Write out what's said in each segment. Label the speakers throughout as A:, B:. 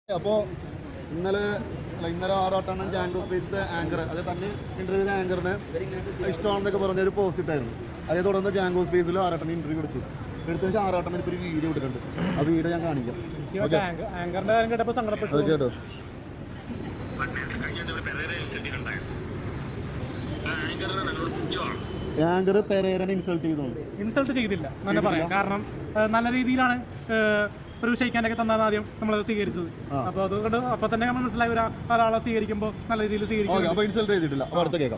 A: അപ്പോൾ ഇന്നലെ ആറാട്ടാണ് ജാങ്കോ സ്പേസിലെ ആങ്കർ അത് തന്നെ ഇന്റർവ്യൂ ആങ്കറിന് ഇഷ്ടമാണെന്നൊക്കെ പറഞ്ഞൊരു പോസ്റ്റ് ഇട്ടായിരുന്നു. അതേ തുടർന്ന് ജാങ്കോ സ്പേസിൽ ആറാട്ടന് ഇന്റർവ്യൂ എടുത്ത ശേഷം ആറാട്ടന് ഇപ്പോൾ ഒരു വീഡിയോ ഇട്ടിട്ടുണ്ട്. ആ വീഡിയോ ഞാൻ കാണിക്കാം. കേട്ടോ ആങ്കർ പെരേരനെ ഇൻസൾട്ട്
B: ചെയ്തില്ല എന്ന് പറയാം. കാരണം നല്ല രീതിയിലാണ് ഒരു ക്ഷയിക്കാനൊക്കെ തന്നാണ് ആദ്യം നമ്മൾ സ്വീകരിച്ചത്. അപ്പൊ അതുകൊണ്ട് അപ്പൊ തന്നെ നമ്മൾ മനസ്സിലായി ഒരാളെ സ്വീകരിക്കുമ്പോൾ നല്ല രീതിയിൽ സ്വീകരിക്കും.
A: ഇൻസൾട്ട് ചെയ്തിട്ടില്ല. അടുത്ത കേൾക്കാം.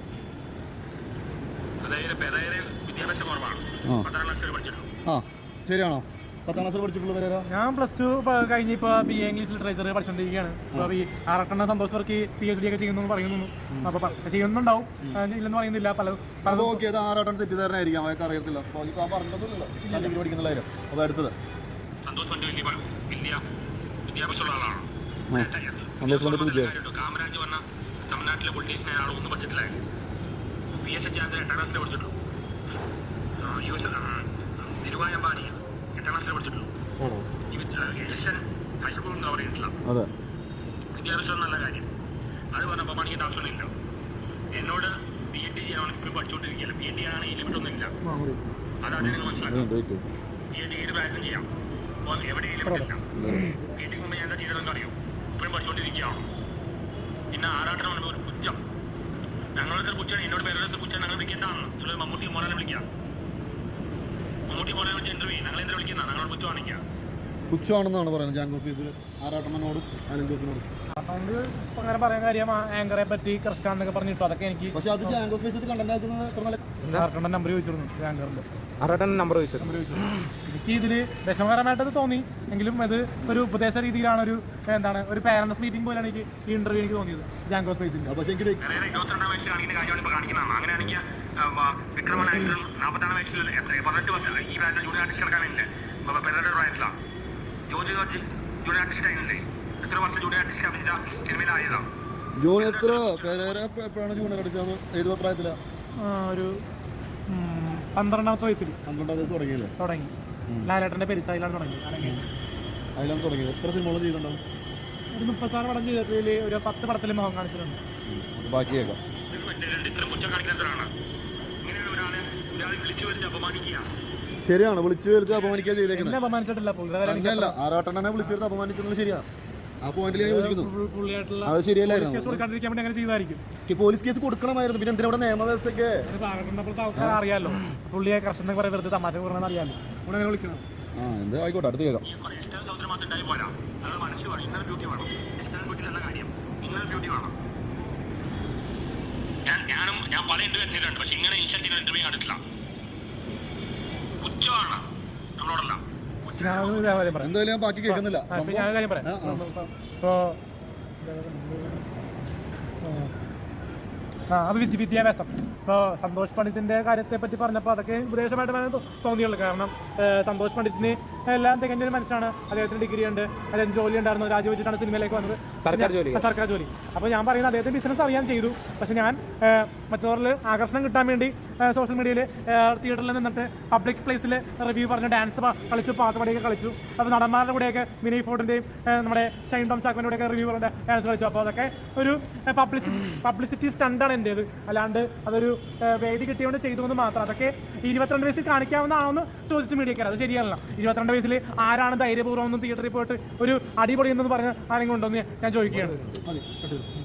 A: ശരിയാണോ? 10ാം ക്ലാസ് പഠിച്ചിട്ടുള്ള
B: ഞാൻ +2 കഴിഞ്ഞ് ഇപ്പോൾ BA ഇംഗ്ലീഷ് ലിറ്ററേച്ചർ പഠിച്ചുകൊണ്ടിരിക്കുകയാണ്. അപ്പോൾ ഈ ആറട്ടെണ്ണ സന്തോഷ് വർക്ക് PhD ഒക്കെ ചെയ്യുന്നു പറയുന്നു. അപ്പോൾ ചെയ്യുന്നുണ്ടാവും, ഇല്ലെന്ന് പറയുന്നില്ല.
A: തെറ്റിദ്ധാരണയായിരിക്കാം, അവർക്ക് അറിയത്തില്ല. അപ്പോൾ അടുത്തത്
C: തമിഴ്നാട്ടിലെ പൊളിറ്റീഷ്യൻ അയാൾ ഒന്നും പഠിച്ചിട്ടില്ലായിരുന്നു. PhD 8ാം ക്ലാസ്സിൽ പഠിച്ചിട്ടുള്ളൂ. ധീരുഭായ് അംബാനി 8ാം ക്ലാസ്സിൽ പഠിച്ചിട്ടുള്ളൂ. എഡിസൺ ഹൈസ്കൂളിൽ കവർ ചെയ്തിട്ടില്ല. വിദ്യാഭ്യാസം നല്ല കാര്യം. അത് പറഞ്ഞ അപമാനിക്കേണ്ട ആവശ്യമൊന്നുമില്ല. എന്നോട് PhD ചെയ്യാൻ ഇപ്പോഴും പഠിച്ചുകൊണ്ടിരിക്കുകയല്ല. PhD ആണ് ഈ ലിമിറ്റൊന്നുമില്ല. അതാണ് നിങ്ങൾ മനസ്സിലാക്കുന്നത്. PhD ഏത് പ്രായത്തിലും ചെയ്യാം, എവിടെ ലിമിറ്റില്ല. PhD മുമ്പ് ഞാൻ എന്താ ചെയ്തതെന്ന് അറിയോ? ഇപ്പോഴും പഠിച്ചുകൊണ്ടിരിക്കുകയാണ്. പിന്നെ ആറാട്ടം പറയുമ്പോൾ ഒരു പുച്ഛം, ഞങ്ങളുടെ പുച്ഛാണ്. എന്നോട് പേരുടെ പുച്ഛം ഞങ്ങൾ വിളിക്കേണ്ടതാണ്. മമ്മൂട്ടി മോനെ വിളിക്കാം. മമ്മൂട്ടി മോനെ വിളിച്ച് ഇന്റർവ്യൂ ഞങ്ങൾ എന്തിനാ വിളിക്കുന്ന? ഞങ്ങളോട് പുച്ഛം കാണിക്കാം.
A: പുച്ഛമാണെന്നാണ് പറയുന്നത് ജാങ്കോ സ്പേസിൽ ആറാട്ടമ്മനോടും അലങ്കോസിനോടും.
B: അതുകൊണ്ട് അങ്ങനെ പറയാൻ കാര്യം ആങ്കറെ പറ്റി ക്രിസ്റ്റാന്നൊക്കെ പറഞ്ഞിട്ടു. അതൊക്കെ എനിക്ക്
A: പക്ഷെ അത് ജാങ്കോ സ്പേസിൽ കണ്ടന്റ് ആക്കുന്നത്
B: നമ്പർ ചോദിച്ചിരുന്നു. ആങ്കറിന്റെ
D: നമ്പർ ചോദിച്ചു.
B: എനിക്ക് ഇതില് വിഷമകരമായിട്ടത് തോന്നി. എങ്കിലും അത് ഒരു ഉപദേശ രീതിയിലാണ്, ഒരു പാരന്റ്സ് മീറ്റിംഗ് പോലെയാണ് എനിക്ക് ഈ ഇന്റർവ്യൂ എനിക്ക് തോന്നിയത് ജാങ്കോ സ്പേസിൽ.
C: 22 വയസ്സിൽ കാണിക്കുന്ന കാര്യമാണ് ഇപ്പോൾ കാണിക്കുന്നതാണ്. അങ്ങനെയാണെങ്കിൽ വിക്രമനായിട്ടും 40 വയസ്സിൽ 18 വർഷം ഈ പ്രായത്തിൽ ജൂനിയർ ആർട്ടിസ്റ്റ് കിടക്കാനില്ലേ? പെരയുടെ പ്രായത്തിലാണ് ജോർജ് ജൂനിയർ ആർട്ടിസ്റ്റ് ആയിരുന്നില്ലേ? എത്ര വർഷം ജൂനിയർ ആർട്ടിസ്റ്റ് അഭിനയിച്ച സിനിമയിലായതാണ്.
A: എപ്പോഴാണ് ജൂനിയർ അടിച്ചത്? ഏത് പ്രായത്തിലാണ്?
B: ഒരു 12ാമത്തെ വയസ്സിൽ.
A: 12ാം വയസ്സ് തുടങ്ങി.
B: ലാലേട്ടന്റെ പെരിച്ചായിലാണ് തുടങ്ങിയത്.
A: എത്ര സിനിമകൾ ചെയ്തിട്ടുണ്ടാവും?
B: ഒരു 36 പടം ചെയ്തിട്ട് ഒരു 10 പടത്തിൽ മുഖം കാണിച്ചിട്ടുണ്ട്.
A: ബാക്കി കേൾക്കാം. ശരിയാണ്, വിളിച്ചു വരുത്തി അപമാനിക്കാൻ ചെയ്തേക്കുന്നത്.
B: അപമാനിച്ചിട്ടില്ല.
A: ആറാട്ടണ്ണനെ വിളിച്ചു വരുത്തി അപമാനിച്ചെന്നുള്ളത് ശരിയാ. ആ പോയിന്റിൽ ഞാൻ യോജിക്കുന്നു. അത് ശരിയല്ലായിരുന്നു. Police case കൊടുക്കണമായിരുന്നു. പിന്നെ എന്തിനാ നിയമവ്യവസ്ഥയ്ക്ക്
B: അറിയാലോ പുള്ളിയെ കർഷകനെ കുറെ വെറുതെ തമാശ പറഞ്ഞാൽ അറിയാലോ. ഇവിടെ അങ്ങനെ വിളിക്കണം.
A: എന്താ ആയിക്കോട്ടെ, അടുത്ത് കേൾക്കാം.
C: ഞാൻ പല ഇന്റർവ്യൂ ചെയ്തിട്ടുണ്ട്. പക്ഷെ ഇങ്ങനെ ഇൻസ്റ്റന്റ് ഇന്റർവ്യൂ കണ്ടിട്ടില്ല. പുച്ഛമാണ് നമ്മളോടല്ല.
A: എന്തായാലും ഞാൻ ബാക്കി കേൾക്കുന്നില്ല.
B: ഞാൻ കാര്യം പറയാം. വിദ്യാഭ്യാസം ഇപ്പോൾ സന്തോഷ് പണ്ഡിറ്റിൻ്റെ കാര്യത്തെ പറ്റി പറഞ്ഞപ്പോൾ അതൊക്കെ ഉപദേശമായിട്ട് തോന്നിയുള്ളൂ. കാരണം സന്തോഷ് പണ്ഡിറ്റിന് എല്ലാം തികഞ്ഞൊരു മനുഷ്യനാണ്. അദ്ദേഹത്തിന് ഡിഗ്രി ഉണ്ട്, അദ്ദേഹത്തിന് ജോലി ഉണ്ടായിരുന്നു. രാജിവെച്ചിട്ടാണ് സിനിമയിലേക്ക് വന്നത്, സർക്കാർ ജോലി. അപ്പോൾ ഞാൻ പറയുന്നത് അദ്ദേഹത്തിന് ബിസിനസ് അറിയാൻ ചെയ്തു. പക്ഷെ ഞാൻ മറ്റുള്ളവരിൽ ആകർഷണം കിട്ടാൻ വേണ്ടി സോഷ്യൽ മീഡിയയിൽ തിയേറ്ററിൽ നിന്നിട്ട് പബ്ലിക് പ്ലേസിൽ റിവ്യൂ പറഞ്ഞ് ഡാൻസ് കളിച്ചു, പാട്ടുപാടിയൊക്കെ കളിച്ചു. അപ്പോൾ നടന്മാരുടെ കൂടെയൊക്കെ വിനയ് ഫോർട്ടിൻ്റെയും നമ്മുടെ ഷൈൻ ടോം ചാക്കോൻ്റെ കൂടെയൊക്കെ റിവ്യൂ പറഞ്ഞ ഡാൻസ് കളിച്ചു. അപ്പോൾ അതൊക്കെ ഒരു പബ്ലിസിറ്റി സ്റ്റണ്ടാണ് എൻ്റേത്. അല്ലാണ്ട് അതൊരു വേദി കിട്ടിയോണ്ട് ചെയ്തുകൊണ്ട് മാത്രം. അതൊക്കെ 22 വയസ്സിൽ കാണിക്കാവുന്നതാണെന്ന് ചോദിച്ചു മീഡിയക്കാർ. അത് ശരിയല്ല. 22 വയസ്സിൽ ആരാണ് ധൈര്യപൂർവ്വം ഒന്നും തിയേറ്ററിൽ പോയിട്ട് ഒരു അടിപൊളി എന്ന് പറഞ്ഞ ആരെങ്കിലും ഉണ്ടോ എന്ന് ഞാൻ ചോദിക്കുകയാണ്.